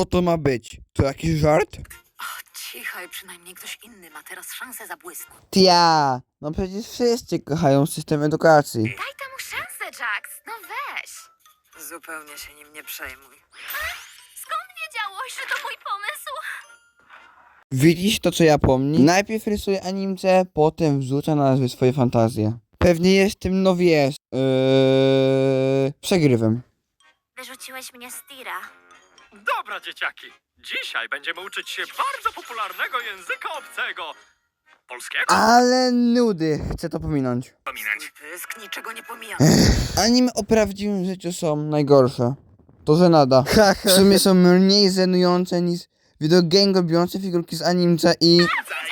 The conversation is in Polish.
Co to ma być? To jakiś żart? Cichaj, przynajmniej ktoś inny ma teraz szansę zabłysnąć. Tia, no przecież wszyscy kochają system edukacji. Daj temu szansę, Jax. No weź. Zupełnie się nim nie przejmuj. Skąd wiedziałeś, że to mój pomysł? Widzisz to, co ja pomni? Najpierw rysuje animce, potem wrzuca na nazwy swoje fantazje. Pewnie jest tym, no wiesz, przegrywem. Wyrzuciłeś mnie z tira. Dobra, dzieciaki. Dzisiaj będziemy uczyć się bardzo popularnego języka obcego. Polskiego? Ale nudy, chcę to pominąć. Pominąć. Pysk niczego nie pomija. Anime o prawdziwym życiu są najgorsze. To żenada. W sumie są mniej żenujące niż wideogang robiące figurki z animce i...